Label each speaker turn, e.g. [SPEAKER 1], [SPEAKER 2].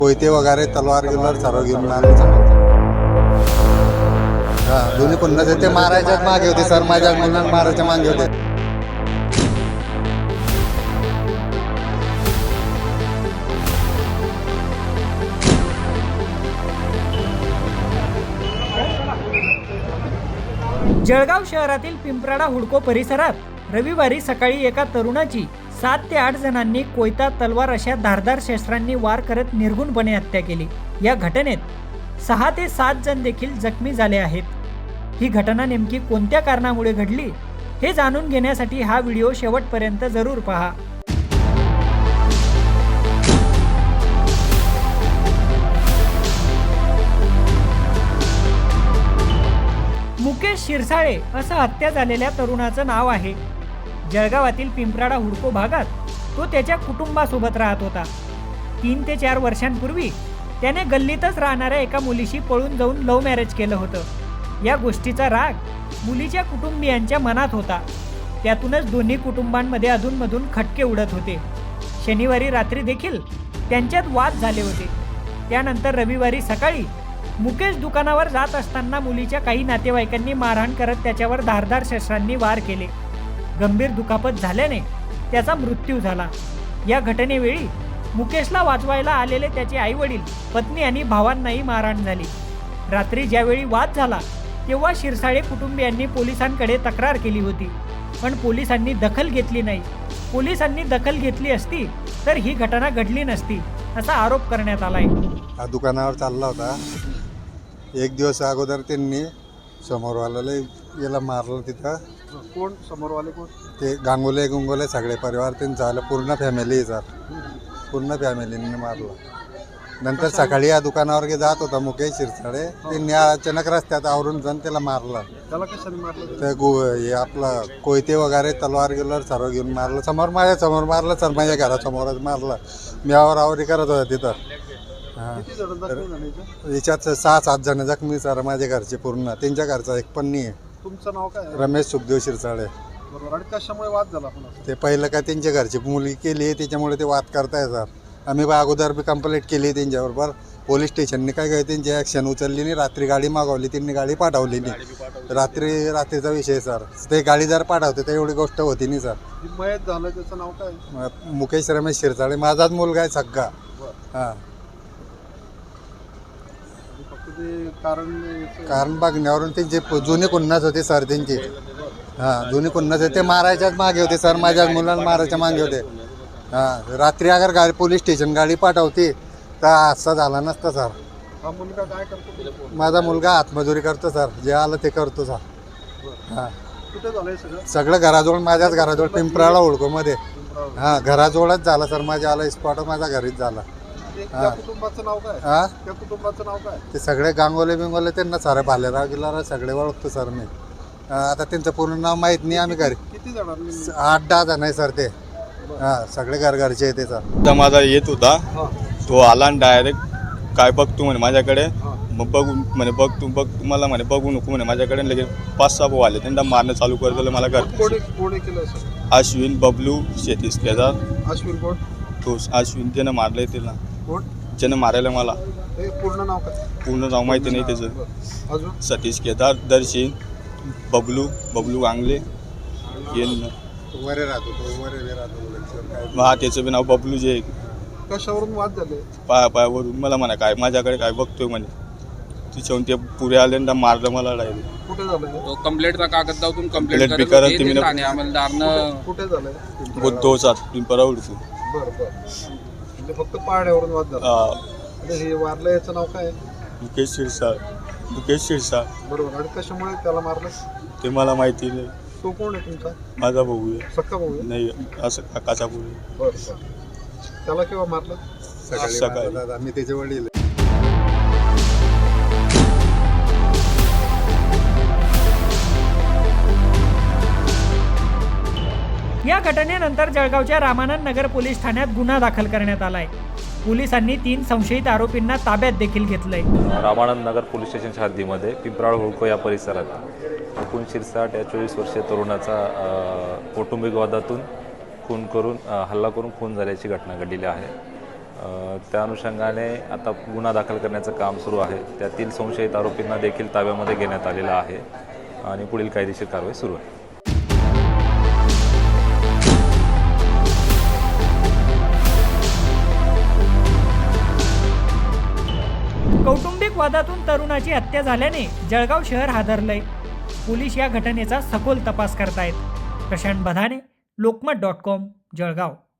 [SPEAKER 1] कोयते वगैरे तलवार गिलवार सर्व घेऊन आले. दोन्ही पुन्हा ते मारायच्याच मागे होते सर, माझ्या मुलांना मारायच्या मागे होते.
[SPEAKER 2] जळगाव शहरातील पिंपराडा हुडको परिसरात रविवारी सकाळी एका तरुणाची 7 ते 8 जणांनी कोयता, तलवार अशा धारदार शस्त्रांनी वार करत निर्घुणपणे हत्या केली. या घटनेत 6 ते 7 जण देखील जखमी झाले आहेत. ही घटना नेमकी कोणत्या कारणामुळे घडली हे जाणून घेण्यासाठी हा व्हिडिओ शेवटपर्यंत जरूर पहा. मुकेश शिरसाळे असं हत्या झालेल्या तरुणाचं नाव आहे. जळगावातील पिंपराडा हुडको भागात तो त्याच्या कुटुंबासोबत राहत होता. 3 ते 4 वर्षांपूर्वी त्याने गल्लीतच राहणाऱ्या एका मुलीशी पळून जाऊन लव्ह मॅरेज केलं होतं. या गोष्टीचा राग मुलीच्या कुटुंबियांच्या मनात होता. त्यातूनच दोन्ही कुटुंबांमध्ये अधूनमधून खटके उडत होते. शनिवारी रात्री देखील त्यांच्यात वाद झाले होते. त्यानंतर रविवारी सकाळी मुकेश दुकानावर जात असताना मुलीच्या काही नातेवाईकांनी मारहाण करत त्याच्यावर धारदार शस्त्रांनी वार केले. गंभीर दुखापत झाल्याने त्याचा मृत्यू झाला. या घटनेवेळी मुकेशला वाचवायला आलेले त्याचे आईवडील, पत्नी आणि भावांनाही मारहाण झाली. रात्री ज्यावेळी वाद झाला तेव्हा शिरसाळे कुटुंबियांनी पोलिसांकडे तक्रार केली होती, पण पोलिसांनी दखल घेतली नाही. पोलिसांनी दखल घेतली असती तर ही घटना घडली नसती असा आरोप करण्यात आलाय.
[SPEAKER 1] हा दुकानावर चालला होता. एक दिवस अगोदर त्यांनी समोरवाल्याला याला मारलं. तिथं
[SPEAKER 3] कोण समोरवाले कोण?
[SPEAKER 1] ते गांगोले गुंगोले सगळे परिवार त्यांचं आलं, पूर्ण फॅमिली सर, पूर्ण फॅमिलीने मारलं. नंतर सकाळी या दुकानावर जात होता मुकेश शिरसाळे. त्यांनी अचानक रस्त्यात आवरून जाऊन त्याला मारलं.
[SPEAKER 3] त्याला कशाने मारलं?
[SPEAKER 1] ते हे आपलं कोयते वगैरे तलवार गिलवार सर्व घेऊन मारलं. समोर माझ्या समोर मारलं सर, माझ्या घरासमोरच मारलं. मी आवरावरी करत होता तिथं.
[SPEAKER 3] किती जण जखमी झाले इथे?
[SPEAKER 1] याच्यात 6-7 जण जखमी सर, माझ्या घरचे पूर्ण. त्यांच्या घरचा एक पण नाही आहे.
[SPEAKER 3] तुमचं नाव काय?
[SPEAKER 1] रमेश सुखदेव शिरसाळे.
[SPEAKER 3] बरोबर. आणि कशामुळे वाद झाला आपण?
[SPEAKER 1] ते पहिलं काय त्यांच्या घरची मुलगी केली त्याच्यामुळे ते वाद करताय सर. आम्ही अगोदर बी कंप्लेंट केली त्यांच्याबरोबर. पोलीस स्टेशनने काय काय त्यांची ॲक्शन उचलली नाही. रात्री गाडी मागवली, त्यांनी गाडी पाठवली नाही. रात्रीचा विषय सर. ते गाडी जर पाठवते तर एवढी गोष्ट होती नाही सर.
[SPEAKER 3] मयत झालं त्याचं नाव काय?
[SPEAKER 1] मुकेश रमेश शिरसाळे, माझाच मुलगा आहे सगळा. हां,
[SPEAKER 3] फक्त ते
[SPEAKER 1] कारण बघण्यावरून त्यांचे जुने कुन्नाच होते सर त्यांचे. हां, जुने कुन्नाच होते. ते मारायच्याच मागे होते सर, माझ्या मुलांना मारायच्या मागे होते. हां, रात्री अगर गाडी पोलीस स्टेशन गाडी पाठवते तर असा झाला नसता सर.
[SPEAKER 3] हा मुलगा काय करतो?
[SPEAKER 1] माझा मुलगा हातमजुरी करतो सर, जे आलं ते करतो सर. हां,
[SPEAKER 3] कुठे झालंय सगळं?
[SPEAKER 1] सगळं घराजवळ, माझ्याच घराजवळ पिंपराळा हुडकोमध्ये. हां, घराजवळच झाला सर. माझ्या आला स्पॉट माझ्या घरीच झाला.
[SPEAKER 3] त्या कुटुंबाचं नाव काय?
[SPEAKER 1] हां,
[SPEAKER 3] त्या कुटुंबाचं नाव काय?
[SPEAKER 1] ते सगळे गांगोले बिंगोले त्यांना सारे भालेराव गिलारा सगळे ओळखतो सर मी. आता त्यांचं पूर्ण नाव माहीत नाही. आम्ही घरी
[SPEAKER 3] किती जणांनी?
[SPEAKER 1] 8-10 जण आहे सर ते. हां, सगळे घरचे येते सर.
[SPEAKER 4] तर माझा येत होता, तो आला आणि डायरेक्ट काय बघतो म्हणे माझ्याकडे. मग बघू म्हणे, बघ मला म्हणे बघू नको म्हणे माझ्याकडे. लगेच 5-6 भाऊ आले, त्यांना मारणं चालू कर दिलं मला. घर
[SPEAKER 3] कोणी केलं सर?
[SPEAKER 4] अश्विन, बबलू, शेतीस केदार.
[SPEAKER 3] अश्विन कोण?
[SPEAKER 4] तो अश्विन त्यानं मारलंय त्याला,
[SPEAKER 3] कोण?
[SPEAKER 4] ज्यानं मारायला मला.
[SPEAKER 3] ते पूर्ण नाव काय?
[SPEAKER 4] पूर्ण नाव माहिती नाही त्याचं.
[SPEAKER 3] अजून?
[SPEAKER 4] सतीश केदार, दर्शन, बबलू गांगले येन.
[SPEAKER 1] वरे राहतो तो, वरे राहतो.
[SPEAKER 4] हा, त्याचं बी नाव बबलू जे.
[SPEAKER 3] कशावरून वाद झाले?
[SPEAKER 4] पायावरून मला म्हणा काय माझ्याकडे काय बघतोय म्हणे. तिच्याहून ते पुरे आले आणि मारलं मला डायरेक्ट.
[SPEAKER 3] कुठे झालंय?
[SPEAKER 5] तो कंप्लेंटचा कागद दावतून
[SPEAKER 4] Complaint बी करत तुम्ही ना-
[SPEAKER 5] आणि अंमलदारनं
[SPEAKER 3] कुठे झालंय?
[SPEAKER 4] बुद्धोचा पिंपरा उडतो.
[SPEAKER 3] बरं. म्हणजे फक्त पाहण्यावरून वाद झाला. आणि हे वारलं याचं नाव काय?
[SPEAKER 4] मुकेश शिरसाळ.
[SPEAKER 3] बरोबर. आणि कशामुळे त्याला मारलं?
[SPEAKER 4] ते मला माहिती नाही.
[SPEAKER 3] तो कोण आहे तुमचा?
[SPEAKER 4] माझा भाऊ आहे.
[SPEAKER 3] सक्का भाऊ आहे?
[SPEAKER 4] नाही, असं काकाचा भाऊ आहे.
[SPEAKER 3] बरं. त्याला केव्हा मारलं?
[SPEAKER 1] सकाळी
[SPEAKER 4] सकाळी.
[SPEAKER 1] मारतात. आम्ही त्याचे वडील.
[SPEAKER 2] या घटनेनंतर जळगावच्या रामानंद नगर पोलीस ठाण्यात गुन्हा दाखल करण्यात आलाय. पोलिसांनी 3 संशयित आरोपींना ताब्यात देखील घेतलंय.
[SPEAKER 6] रामानंद नगर पोलीस स्टेशनच्या हद्दीमध्ये पिंपराळ हुडको या परिसरात मुकुंद शिरसाट या 24 वर्षीय तरुणाचा कौटुंबिक वादातून हल्ला करून खून झाल्याची घटना घडलेली आहे. त्या अनुषंगाने आता गुन्हा दाखल करण्याचं काम सुरू आहे. त्यातील संशयित आरोपींना देखील ताब्यामध्ये घेण्यात आलेलं आहे आणि पुढील कायदेशीर कारवाई सुरू आहे.
[SPEAKER 2] कौटुंबिक वादातून तरुणाची हत्या झाल्याने जळगाव शहर हादरलंय. पोलीस या घटनेचा सखोल तपास करतायत. प्रशांत बधाने, लोकमत.com, जळगाव.